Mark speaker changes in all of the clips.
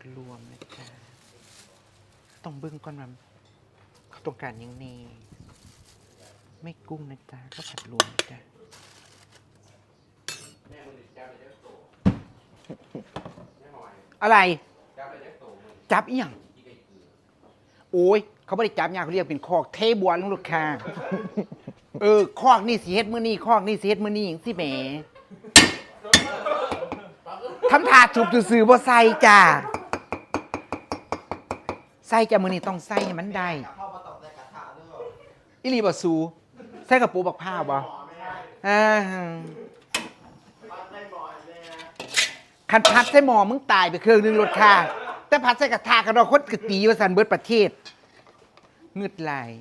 Speaker 1: รวมนะจ๊ะต้องเบิ่งก่อนว่าเขาต้องการยังไงไม่กุ้งนะจ๊ะก็ผัดรวมนะจ๊ะอะไรจับอีหยังโอ้ยเขาไม่ได้จับยาเขาเรียกเป็นคอกเทบัวลงลูกค้าคอกนี่สีเฮ็ดมื้อนี้คอกนี่สีเฮ็ดมื้อนี้อย่างสิแหมทำถาดฉุบซื่อๆบ่ใส่จ้าใส่จ้ามื้อนี้ต้องใส่ให้มันได้อีหลีบ่สูใส่กระปูบักพร้าวบ่คันพัดใส่หม้อมึงตายไปเครื่องนึงรถค่าแต่พัดใส่กระทะกระดอกคนกะตีว่าซั่นเบิดประเทศงึดหลาย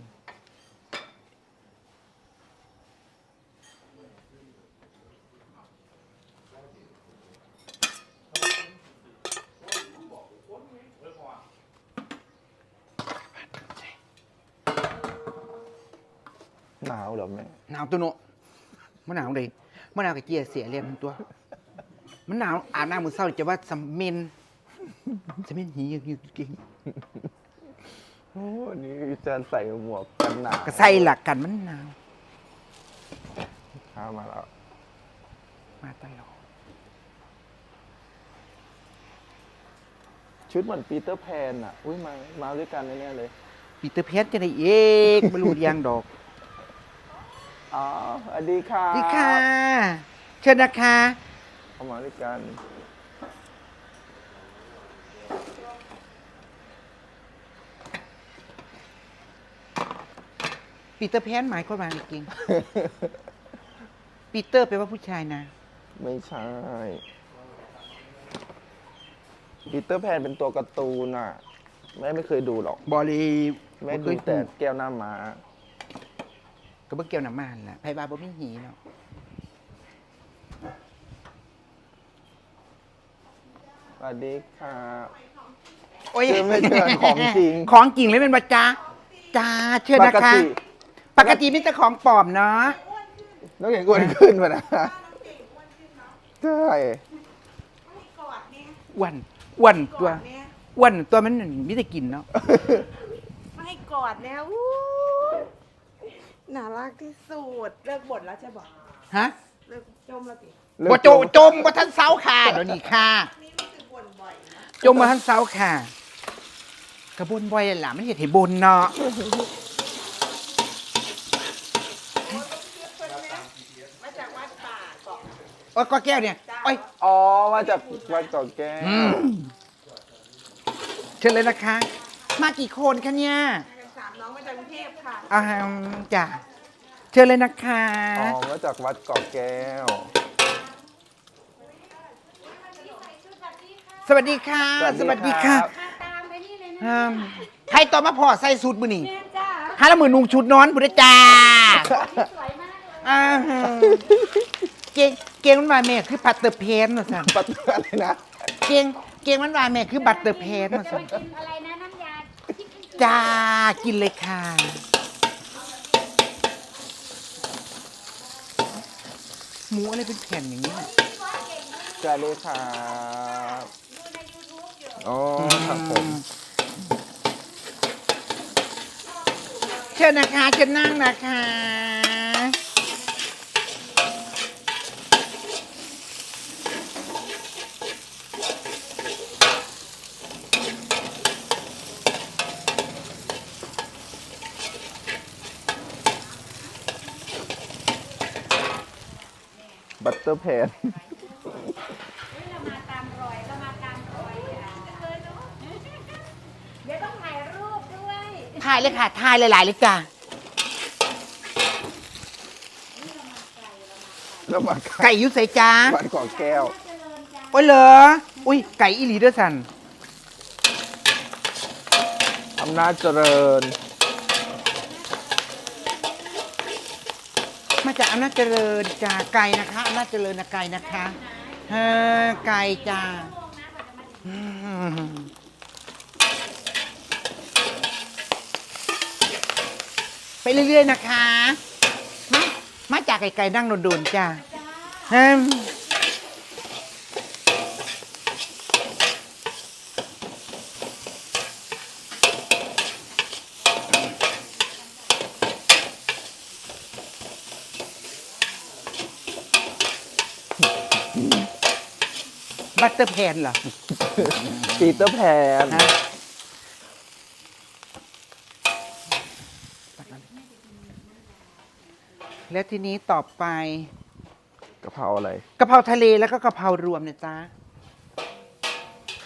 Speaker 2: หนาวเหรอแม่
Speaker 1: หนาวตัวโนมันหนาวเลยมันหนาวกับเจียเสียเรียงตัวมันหนาวอาบน้ำมือเศร้าจะว่าสำเมนหีอยู่จริง
Speaker 2: โอ้นี่จะใส่หมวกกันหนาว
Speaker 1: ก็ใส่หลักกันมันหนาว
Speaker 2: ข้ามาแล้ว
Speaker 1: มาตลอด
Speaker 2: ชุดเหมือนปีเตอร์แพนอ่ะอุ้ยมาด้วยกันแน่ๆเลย
Speaker 1: ปีเตอร์แพนจะได้เอกไม่รู้ยังดอก
Speaker 2: อ๋อสวัสดีค่ะ
Speaker 1: ดีค่ะเชิญนะคะ
Speaker 2: เข้ามาด้วยกัน
Speaker 1: ปีเตอร์แพนหมายความว่าอะไรจริงปีเตอร์แปลว่าผู้ชายนะ
Speaker 2: ไม่ใช่ปีเตอร์แพนเป็นตัวการ์ตูนอ่ะแม่ไม่เคยดูหรอก
Speaker 1: บอลี
Speaker 2: แม่ดูแต่แก้วหน้าม้า
Speaker 1: ก็เบิ่งเกี่ยวน้ำมันแหละไพ่บาบ่มีหีเนาะ
Speaker 2: สวัสดีค่ะ
Speaker 1: โอ้ย
Speaker 2: ไม่เชิญของจริง
Speaker 1: ของจริงเลยเป็นบัจจ้าจ้าเชื่อนะคะปกติมีแต่ของปลอมเนาะ
Speaker 2: น้องเก่งอ้วนขึ้นป่ะนะใช่
Speaker 1: อ้วนตัวมันมีแต่กินเนาะ
Speaker 3: ไม่ให้กอดแล้วน่ารักที่สุดเลิกบ่นแล้วจะบอก
Speaker 1: ฮะ
Speaker 3: เลิกจมแล้วสิ
Speaker 1: บ่จมบ่ทันเซาค่ะเดี๋ยวนี้ค่ะ
Speaker 3: นี่รู้สึกบ่นบ่อยนะ
Speaker 1: จมบ่ทันเซาค่ะกระบนบ่อยล่ะมันเฮ็ดให้บ่นเนาะ
Speaker 3: มาจากวัดป่าเกาะ
Speaker 1: โอ้ยก็แก้วเนี่ยโอ้ย
Speaker 2: อ๋อมาจากวัดเกาะแก้ว
Speaker 1: เชิญเลยนะคะมากี่คนคะเนี่ย
Speaker 3: 3น้องมาจากกรุงเทพค่ะ
Speaker 1: จ้ะเชิญเลยนะคะ
Speaker 2: อ๋อมาจากวัดเกาะแก้ว
Speaker 1: สวัสดีค่ะสวัสดีค่ะ
Speaker 3: ตามไปนี่เลยนะ
Speaker 1: ใครต่อมาพอใส่สูตรมื้อนี้
Speaker 3: แม่จ้า
Speaker 1: หาละมื้อนุ่งชุดนอนพุ่นจ้า
Speaker 3: สวยมากเลย
Speaker 1: เก่งมันว่าแม่คือบัตเตอร์เพนว่าซั่น
Speaker 2: บัตเตอร์อะไรนะ
Speaker 1: เก่งมันว่าแม่คือบัตเตอร์เพนว่าซั่น
Speaker 3: กินอะไรนะน้ำยา
Speaker 1: จ้ากินเลยค่ะหมูอะไรเป็นแผ่นอย่างนี้
Speaker 2: สวัสดีครับอ๋อครับผม
Speaker 1: เชิญนะคะเชิญนั่งนะคะ
Speaker 2: บัตเตอร์แพน
Speaker 3: เรามาตามรอยเดี๋ยวต้องถ่ายรูปด้วย
Speaker 1: ถ่ายเลยค่ะถ่ายหลายๆเลยจ้า
Speaker 2: แล้วมา
Speaker 1: ไก่ยุใส่จ้า
Speaker 2: วัดเกาะแก้ว
Speaker 1: โอ้ยเหรออุ้ยไก่อีหลีด้วยสัน
Speaker 2: อำนาจเจริญ
Speaker 1: มาจากอำนาจเจริญจ้าไก่นะคะอำนาจเจริญนะไก่นะคะไก่จ้าไปเรื่อยๆนะคะมาจากไก่นั่งโดนๆจ้าบัตเตอร์แพนเหรอ
Speaker 2: ปีเตอร์แพน
Speaker 1: ฮะแล้วทีนี้ต่อไป
Speaker 2: กะเพราอะไร
Speaker 1: กะเพราทะเลแล้วก็กะเพรารวมนะจ๊ะ